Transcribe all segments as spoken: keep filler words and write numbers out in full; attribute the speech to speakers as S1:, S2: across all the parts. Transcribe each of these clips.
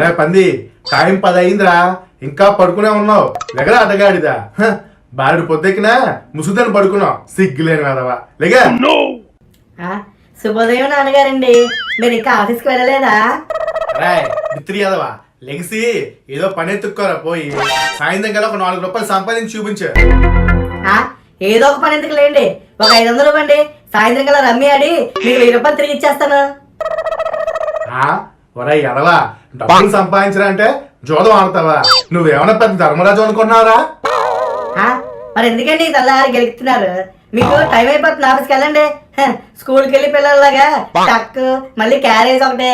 S1: ఒరే పంది, టైం పది అయిందిరా, ఇంకా పడుకునే ఉన్నావు. లెగరా అడ్డగాడిదా. బారుడు పొద్దెక్కినా ముసుదని పడుకున్నావు, సిగ్గులేని కదవా. లేగా.
S2: శుభోదయం నాన్నగారండి, మీరు ఇంకా ఆఫీస్కి వెళ్ళలేదా?
S1: రాయ్ మిత్రి యాదవా, లెగిసి ఏదో పని ఎత్తుక్కోరా పోయి. సాయంత్రం కల్లా ఒక నాలుగు రూపాయలు సంపాదించి చూపించు.
S2: ఏదో ఒక పని ఎందుకు లేండి, ఒక ఐదు వందలు ఇవ్వండి, సాయంత్రం కల్లా రమ్మి ఆడి మీకు వెయ్యి రూపాయలు తిరిగి ఇచ్చేస్తాను.
S1: ఒరే ఎదవా, డబ్బులు సంపాదించరా అంటే జోదం ఆడతావా? నువ్వేమన్నా పెద్ద ధర్మరాజు అనుకున్నారా?
S2: మరి ఎందుకండి తెల్లారి గెలుస్తున్నారు? మీకు టైం అయిపోతుంది, ఆఫీస్కి వెళ్ళండి. స్కూల్కి వెళ్ళి పిల్లల్లాగా టక్ మళ్ళీ క్యారేజ్ ఒకటే.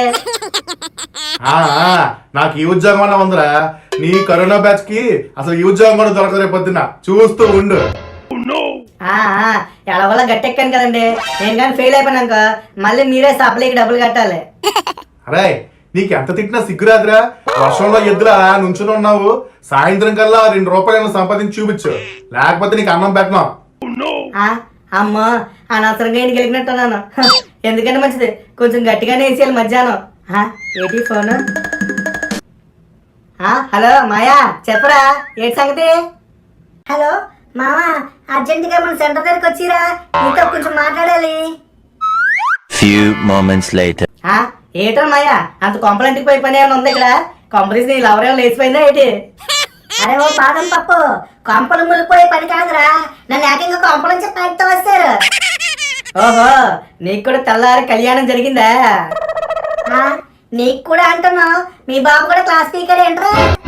S1: నాకు ఈ ఉద్యోగం అన్నా ఉందిరా, నీ కరోనా బ్యాచ్ కి అసలు ఈ ఉద్యోగం కూడా దొరకదు. పొద్దున్న చూస్తూ ఉండు.
S2: ఎలా వల్ల గట్టెక్కాను కదండి, నేను కానీ ఫెయిల్ అయిపోయినాక మళ్ళీ మీరే సప్లైకి డబ్బులు కట్టాలి.
S1: అరే నీకు ఎంత తిట్టినా సిగ్గురాదురా, వర్షంలో ఎద్దులా నుంచుని ఉన్నావు. సాయంత్రం కల్లా రెండు రూపాయలు సంపాదించి చూపించు, లేకపోతే నీకు అన్నం పెట్టను.
S2: అమ్మా అనవసరంగా ఇంటికి గెలిగినట్టున్నాను. ఎందుకంటే మంచిది, కొంచెం గట్టిగానే వేసేయాలి మధ్యాహ్నం. ఏంటి ఫోన్? హలో మాయా, చెప్పరా ఏంటి సంగతి? హలో మామా, అర్జెంట్ గా మన సెంటర్ దగ్గరికి వచ్చిరా, నీతో కొంచెం మాట్లాడాలి.
S3: Few moments later.
S2: ఏటో మాయా, అంత కొంపలంటికి పోయి పని ఏమైనా ఉంది ఇక్కడ? కొంపలీస్ నీ లవరేమో లేచిపోయిందా ఏంటి? అరే ఓ పాదం పప్పు, కొంపలు ములిపోయే పని కాదురా, నన్ను ఏకంగా కొంపలు చెప్పి పైతో వస్తారు. ఓహో, నీకు కూడా తెల్లారి కళ్యాణం జరిగిందా? నీకు కూడా అంటున్నావు, మీ బాబు కూడా క్లాస్ స్పీకర్ ఏంట్రా?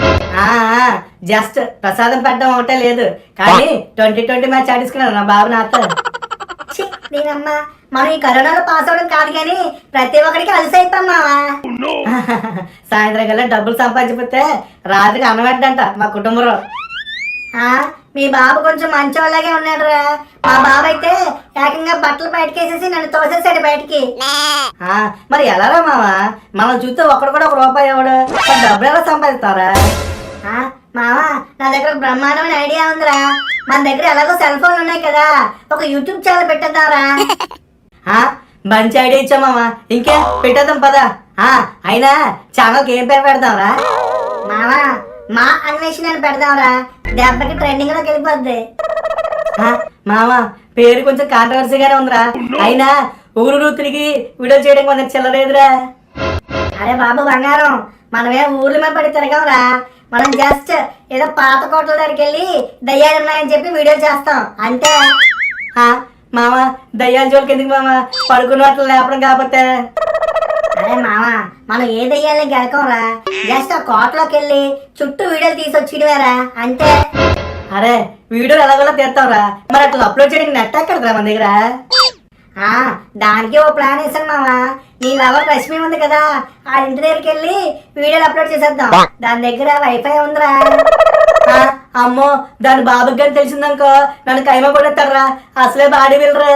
S2: జస్ట్ ప్రసాదం పెట్టడం ఒకటే లేదు, కానీ ట్వంటీ ట్వంటీ మ్యాచ్ ఆడించుకున్నాను నా బాబు నాతో. నేనమ్మా, మనం ఈ కరోనాలో పాస్ అవడం కాదు కానీ ప్రతి ఒక్కరికి అలసి అయిపోయామా. సాయంత్రం కల్లా డబ్బులు సంపాదించిపోతే రాత్రికి అన్నమేద్దంట మా కుటుంబంలో. మీ బాబు కొంచెం మంచోళ్ళగే ఉన్నాడు రా, మా బాబు అయితే ఏకంగా బట్టలు బయటకేసేసి నన్ను తోసేసాడు బయటికి. మరి ఎలారా మావా, మనం చూస్తే ఒక్కడు కూడా ఒక రూపాయి ఇవ్వడు, డబ్బులు ఎలా సంపాదిస్తారా? మావా, నా దగ్గర బ్రహ్మాండమైన ఐడియా ఉందిరా, మన దగ్గర ఎలాగో సెల్ ఫోన్లు ఉన్నాయి కదా, ఒక యూట్యూబ్ ఛానల్ పెట్టేద్దాంరా. మంచి ఐడియా ఇచ్చా మావా, ఇంకే పెట్టేద్దాం పదా. అయినా ఛానల్కి ఏం పేరు పెడదాంరా? మావా, మా అన్వేషణ పెడదాంరా, దెబ్బకి ట్రెండింగ్ లోకి వెళ్ళిపోద్ది. మావా, పేరు కొంచెం కాంట్రవర్సీగానే ఉందిరా, అయినా ఊరు తిరిగి వీడియో చేయడం కొంచెం చిల్లలేదురా. అరే బాబు బంగారం, మనమేం ఊర్ల మీద పడి తిరగంరా, మనం జస్ట్ ఏదో పాత కోటల దగ్గరికి వెళ్ళి దయ్యాలు ఉన్నాయని చెప్పి వీడియో చేస్తాం అంతే. మామ, దయ్యాల జోలికి ఎందుకు మామ, పడుకున్న వాటిలో లేపడం కాకపోతే. అరే మామ, మనం ఏ దయ్యాలని గెలకంరా, జస్ట్ ఆ కోటలోకి వెళ్ళి చుట్టూ వీడియోలు తీసుకొచ్చిడవేరా అంతే. అరే వీడియోలు ఎలాగోలా తీస్తావురా, మరి అట్లా అప్లోడ్ చేయడానికి నెట్ ఎక్కడరా మన దగ్గర? దానికి ఓ ప్లాన్ వేసాను మామ, నీ లవర్ రష్మి ఉంది కదా, ఆ ఇంటి దగ్గరికి వెళ్ళి వీడియోలు అప్లోడ్ చేసేద్దాం, దాని దగ్గర వైఫై ఉందిరా. అమ్మో, దాని బాబుకి కానీ తెలిసిందనుకో నన్ను కైమ కొడతారా, అసలే బాడీ వెళ్ళరా.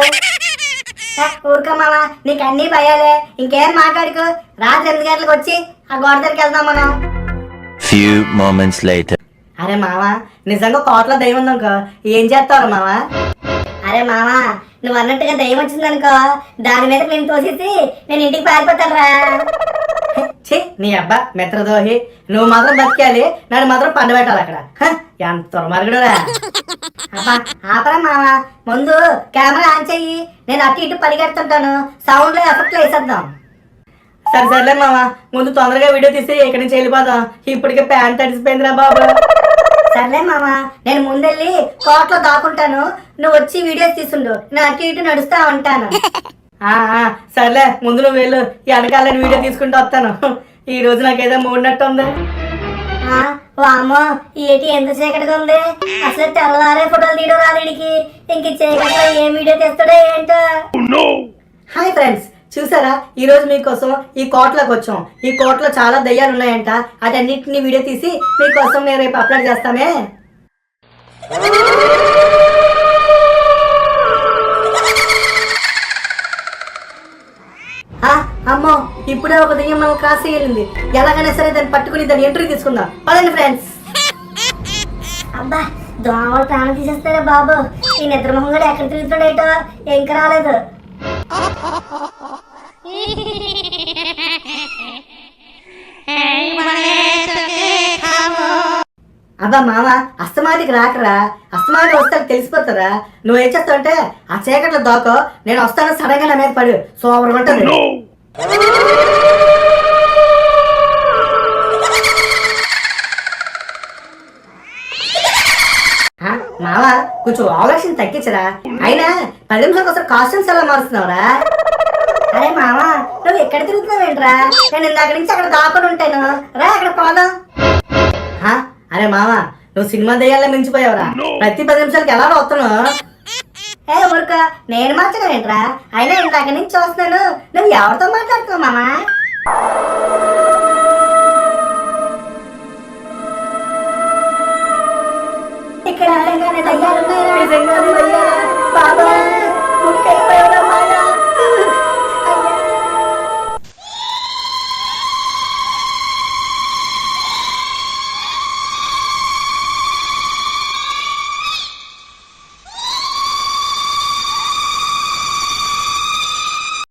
S2: ఊరుకో మామ, నీకు అన్ని భయాలే, ఇంకేం మాట్లాడుకో, రాత్రి ఎనిమిది గంటలకు వచ్చి ఆ గోడ దగ్గరికి వెళ్దాం మనం.
S3: Few moments later.
S2: అరే మామ, నిజంగా కోటలో దయ్యం ఉందనుకో ఏం చేస్తావు మామ? అరే మామ, నువ్వు అన్నట్టుగా దయ్యం వచ్చిందనుకో దాని మీద నేను తోసేసి నేను ఇంటికి పారిపోతానురా. ఛీ, నీ అబ్బా మిత్రదోహి, నువ్వు మాత్రం బతికాలి, నన్ను మాత్రం పండు పెట్టాలి అక్కడ. ఎంత దుర్మార్గుడురా. అబ్బా ఆపరా మామ, ముందు కెమెరా ఆన్ చెయ్యి, నేను అటు ఇటు పరిగెడుతుంటాను, సౌండ్ లో ఎఫెక్ట్ లో వేసేద్దాం. సరే సర్లే మామ, ముందు తొందరగా వీడియో తీసి ఇక్కడి నుంచి వెళ్ళిపోదాం, ఇప్పటికే ప్యాంట్ తడిసిపోయిందిరా బాబు. సర్లే మామ, నేను ముందెళ్ళి కోట్లో దాక్కుంటాను, నువ్వు వచ్చి వీడియోస్ తీసుండు, నేను అటు ఇటు నడుస్తా ఉంటాను. సర్లే, ముందు నువ్వు వెళ్ళు, ఈ వెనకాలని వీడియో తీసుకుంటూ వస్తాను. ఈ రోజు నాకేదో మూడినట్టు ఉంది. వామో, ఏటి ఎంత చీకటిగా ఉంది, అసలు తెల్లవారే ఫోటోలు తీయడం రాలేడికి, ఇంక చీకట్లో ఏం వీడియో తీస్తాడో ఏంటో. హాయ్ ఫ్రెండ్స్, చూసారా ఈ రోజు మీకోసం ఈ కోటలోకి వచ్చాం. ఈ కోటలో చాలా దయ్యాలు ఉన్నాయంట, అటన్నిటిని వీడియో తీసి మీకోసం నేను రేపు అప్లోడ్ చేస్తామే. అమ్మో, ఇప్పుడే ఒక దయ్యం మనం క్రాస్ అయ్యింది, ఎలాగైనా సరే దాన్ని పట్టుకుని దాన్ని ఎంట్రీ తీసుకుందాం. పదండి ఫ్రెండ్స్. అబ్బా, దోమలు ప్రాణం తీసేస్తారా బాబు, ఈ నిద్ర మొహం కూడా ఎక్కడ తిరుగుతాడేటో ఇంకా రాలేదు.
S4: Hey,
S2: అబ్బా మామ అస్తమాటికి రాకరా, అస్తమాటికి వస్తే తెలిసిపోతారా. నువ్వు ఏం చేస్తావు అంటే ఆ చీకట్లో దోకో, నేను వస్తాను సడన్ గా నా మీద పడు, సూపర్ ఉంటుంది. ఆ, మామ కొంచెం ఆలోచన తగ్గించరా. అయినా పది నిమిషాలకు ఒకసారి కాస్ట్యూమ్స్ ఎలా మారుస్తున్నావురా? అరే మామ నువ్వు ఎక్కడ తిరుగుతున్నావు ఏంట్రా? నేను ఇందాక నుంచి అక్కడ దాక్కుని ఉంటాను, రా అక్కడ పోదాం. ఆ, అరే మామ నువ్వు సినిమా దయ్యాల్లో మించిపోయావురా. ప్రతి పది నిమిషాలకి ఎలా వస్తున్నావు? ఏ ఊరుక, నేను మాత్రం ఏంట్రా? అయినా ఇందాక నుంచి చూస్తున్నాను, నువ్వు ఎవరితో మాట్లాడుతున్నావు మామ? ఇక్కడ నిజంగానే దయ్యాలు ఉన్నాయా?